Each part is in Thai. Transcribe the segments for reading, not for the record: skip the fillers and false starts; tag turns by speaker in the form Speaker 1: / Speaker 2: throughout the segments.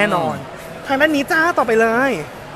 Speaker 1: น่นอนทางด้านนี้จ้าต่อไปเลย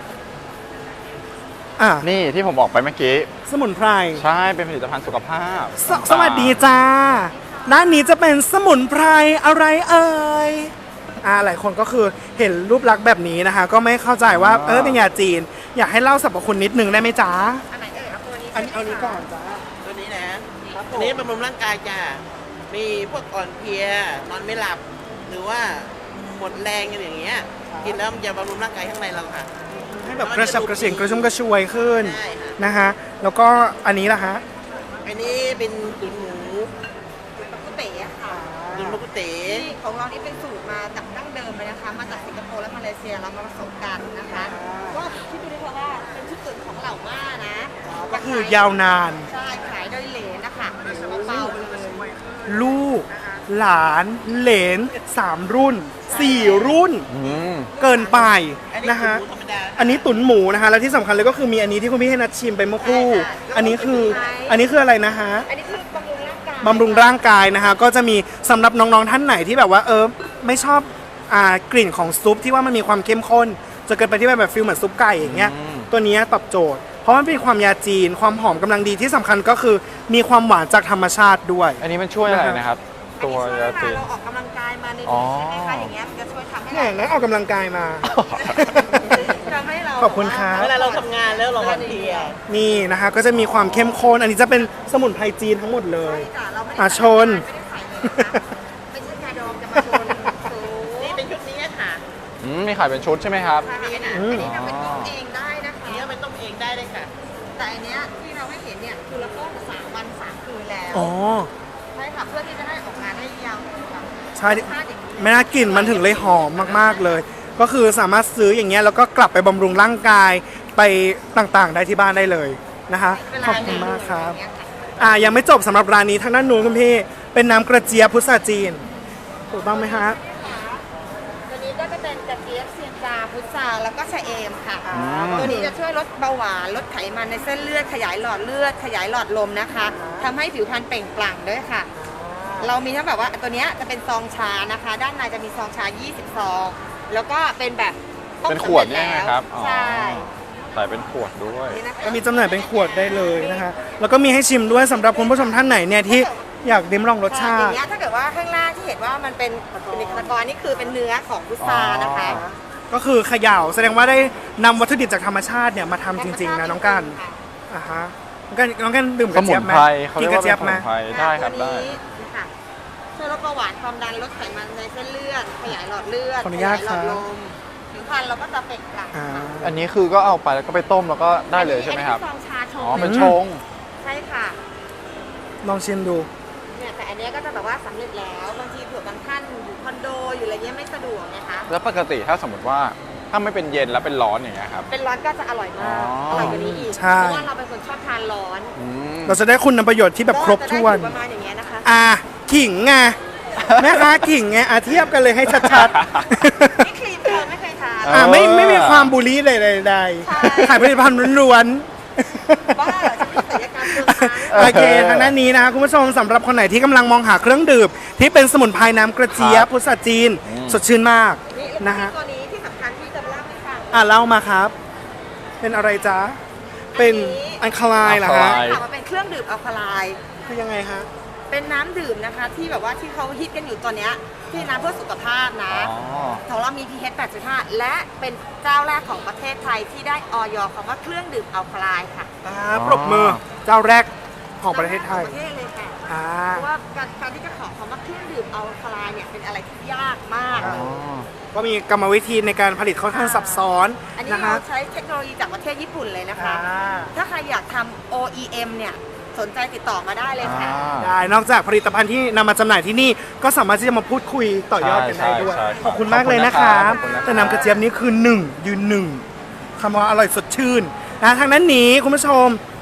Speaker 2: นี่ที่ผมบอกไปเมื่อกี้
Speaker 1: สมุนไพร
Speaker 2: ใช่เป็นผลิตภัณฑ์สุขภาพ
Speaker 1: สวัสดีจ้าด้านนี้จะเป็นสมุนไพรอะไรเอ่ยหลายคนก็คือเห็นรูปลักษณ์แบบนี้นะคะก็ไม่เข้าใจว่าเป็นยาจีนอยากให้เล่าสรรพคุณนิดนึงได้ไหมจ๊ะ
Speaker 3: อันไหนเอ่ยครับตัวนี้
Speaker 1: เอานี้ก่อนจ้า
Speaker 3: ตัวนี้นะอันนี้บำรุงร่างกายจ้ามีพวกอ่อนเพลียนอนไม่หลับหรือว่าหมดแรงอย่างเงี้ยกินแล้วมันจะบำรุงร่างกายข้างในเราค่ะ
Speaker 1: ให้แบบกระฉับกระเฉงกระชุ่มกระชวยขึ้นนะคะแล้วก็อันนี้ล่ะฮะ
Speaker 3: อันนี้เป็นตุ๋นหมู
Speaker 4: ตุ๋นมะกุเต๋ค่ะ
Speaker 3: ตุ๋นมะกุเต๋
Speaker 4: ที่ของเรานี่เป็นสูตรมาจากดั้งเดิมเลยนะคะมาจากสิงคโปร์และมาเลเซียเรามาผสมกันนะคะก็ที่ดูได้เพราะว่าเป็นชุดตุ๋นของเหล่าม่านะ
Speaker 1: ก็คือยาวนาน
Speaker 4: ใช่ขายโดยเหลนนะคะเบาๆเลย
Speaker 1: ลูกหลานเหลน3 รุ่น 4 รุ่นเกินไปนะคะอันนี้ตุ๋นหมูนะคะแล้วที่สำคัญเลยก็คือมีอันนี้ที่คุณพี่ให้นัดชิมไปเมื่อครู่อันนี้คืออะไรนะคะ
Speaker 4: อันนี้คือบำรุง
Speaker 1: ร่างกายนะคะก็จะมีสำหรับน้องๆท่านไหนที่แบบว่าไม่ชอบกลิ่นของซุปที่ว่ามันมีความเข้มข้นจะเกิดไปที่แบบฟิลเหมือนซุปไก่อย่างเงี้ยตัวนี้ตอบโจทย์เพราะมันเป็นความยาจีนความหอมกำลังดีที่สำคัญก็คือมีความหวานจากธรรมชาติด้วย
Speaker 2: อันนี้มันช่วยอะไรนะครับตัวยาจีน
Speaker 4: เราออกกำลังกายมาในนี้ใช่ไหมคะอย่างเงี้ยมันจะช่วยทำให้เรา
Speaker 1: แล้วออกกำลังกายมา
Speaker 4: ทำให้เรา
Speaker 1: ขอบคุณครับ
Speaker 3: เวลาเราทำงานแล้วเราอ่อนเพลีย
Speaker 1: นี่นะคะก็จะมีความเข้มข้นอันนี้จะเป็นสมุนไพรจีนทั้งหมดเลยชน
Speaker 4: เป็นชุดยาดองจะมาชน
Speaker 3: นี่เป็นชุดนี้ค่ะ
Speaker 2: มีขายเป็นชุดใช่ไหมครับ
Speaker 4: อันนี้ทำเป็นต้มเองได้นะคะ
Speaker 3: นี่เป็นต้มเองได้เลยค่ะ
Speaker 4: แต่อันเนี้ยที่เราให้เห็นเนี่ยคือเราต้ม3 วัน 3 คืนแล้วใช่ค่ะเพื่อที่จะได้ออกงานได้ยาว
Speaker 1: ใช่ไม่น่ากลิ่นมันถึงเลยหอมมากๆเลยก็คือสามารถซื้ออย่างเงี้ยแล้วก็กลับไปบำรุงร่างกายไปต่างๆได้ที่บ้านได้เลยนะคะขอบคุณมากครับยังไม่จบสำหรับร้านนี้ทางด้านนู้นคุณพี่เป็นน้ำกระเจี๊ยบพุทราจีนถูกต้องไหมฮะ
Speaker 4: ตัวนี้ก็จะเป็นกระเจี๊ยบเซียนจาพุทราแล้วก็ชะเอมค่ะตัวนี้จะช่วยลดเบาหวานลดไขมันในเส้นเลือดขยายหลอดเลือดขยายหลอดลมนะคะทำให้ผิวพรรณเปล่งปลั่งด้วยค่ะเรามีทั้งแบบว่าตัวนี้จะเป็นซองชานะคะด้านในจะมีซองชา20 ซองแล้วก็เป็นแบบ
Speaker 2: เป็นขวดเนี่ยนะครับ
Speaker 4: ใช่
Speaker 2: ใส่เป็นขวดด้วย
Speaker 1: ก็มีจำหน่ายเป็นขวดได้เลยนะคะแล้วก็มีให้ชิมด้วยสำหรับคุณผู้ชมท่านไหนเนี่ยที่อยากลิ้มลองรสชาติ
Speaker 4: อย่างเงี้ยถ้าเกิดว่าข้างล่างที่เห็นว่ามันเป็นในตะกอนนี่คือเป็นเนื้อของพุทรานะคะ
Speaker 1: ก็คือเขย่าแสดงว่าได้นำวัตถุดิบจากธรรมชาติเนี่ยมาทำจริงๆนะน้องกันฮะน้องกันดื่มกระเจี๊ยบไหม
Speaker 2: กินกระเจี๊ยบไหมได้ครับได้
Speaker 4: ช่วยลดเบาหวานความดันลดไขมันในเส้นเลือดขยายหลอดเลือดขยายหลอดลมผิวพรรณเราก็จะเปล่งปลั่ง
Speaker 2: อันนี้คือก็เอาไปแล้วก็ไปต้มแล้วก็ได้เลยใช่ไหมครับ
Speaker 4: ซองชาชง
Speaker 2: เป็นชง
Speaker 4: ใช่ค่ะ
Speaker 1: ลองชิมดู
Speaker 4: เนี่ยแต่อันนี้ก็จะแบบว่าสำเร็จแล้วบางทีเผื่อบางท่านอยู่คอนโดอยู่อะไรเงี้ยไม่สะดวกนะคะ
Speaker 2: แล้วปกติถ้าสมมติว่าถ้าไม่เป็นเย็นแล้วเป็นร้อนอย่างเงี้ยครับ
Speaker 4: เป็นร้อนก็จะอร่อยมากอร่อยกว่านี้อีกเพราะว่าเราเป็นคนชอบทานร้อน
Speaker 1: เราจะได้คุณประโยชน์ที่แบบครบถ้วน
Speaker 4: ประมาณอย่างเงี้ยนะคะ
Speaker 1: ขิงไงแม่ค้าขิงไงเทียบกันเลยให้ชัด
Speaker 4: ๆนี่ครีมเราไม่เคยทาน
Speaker 1: ไม่มีความบูลลี่ใดๆขายผลิตภัณฑ์ล้วน
Speaker 4: ๆบ้าเหรอจะมีศัลยกรรม
Speaker 1: โอเคทางด้านนี้นะคะคุณผู้ชมสำหรับคนไหนที่กำลังมองหาเครื่องดื่มที่เป็นสมุนไพรน้ำกระเจี๊ยบพุทราจีนสดชื่นมากนะฮะ
Speaker 4: ตัวนี้ที่สำคัญที่จะเล่าให้ฟัง
Speaker 1: เล่ามาครับเป็นอะไรจ๊ะเป็นอัลคาไลน์เหรอฮะ
Speaker 4: มันเป็นเครื่องดื่มอัลคาไลน์
Speaker 1: คือยังไงฮะ
Speaker 4: เป็นน้ำดื่มนะคะที่แบบว่าที่เขาฮิตกันอยู่ตอนนี้ที่น้ำเพื่อสุขภาพนะของเรามี pH 8.5 และเป็นเจ้าแรกของประเทศไทยที่ได้อย.คำว่าเครื่องดื่มอัลคาไลน์ค่ะ
Speaker 1: ปรบมือเจ้าแรกของประเทศไทย
Speaker 4: ประเทศเลยค่ะเพราะว่าการที่จะขอคำว่าเครื่องดื่มอัลคาไลน์เนี่ยเป็นอะไรที่ยากมาก
Speaker 1: ก็มีกรรมวิธีในการผลิตค่อนข้างซับซ้อน
Speaker 4: อันนี้เราใช้เทคโนโลยีจากประเทศญี่ปุ่นเลยนะคะถ้าใครอยากทำ OEM เนี่ยสนใจติดต่อมาได้เลยค่ะ
Speaker 1: ได้นอกจากผลิตภัณฑ์ที่นำมาจำหน่ายที่นี่ก็สามารถที่จะมาพูดคุยต่อยอดกันได้ด้วยขอบคุณมากเลยนะครับแต่น้ำกระเจี๊ยบนี้คือ1 ยืน 1คำว่าอร่อยสดชื่นนะทางนั้นนี้คุณผู้ชม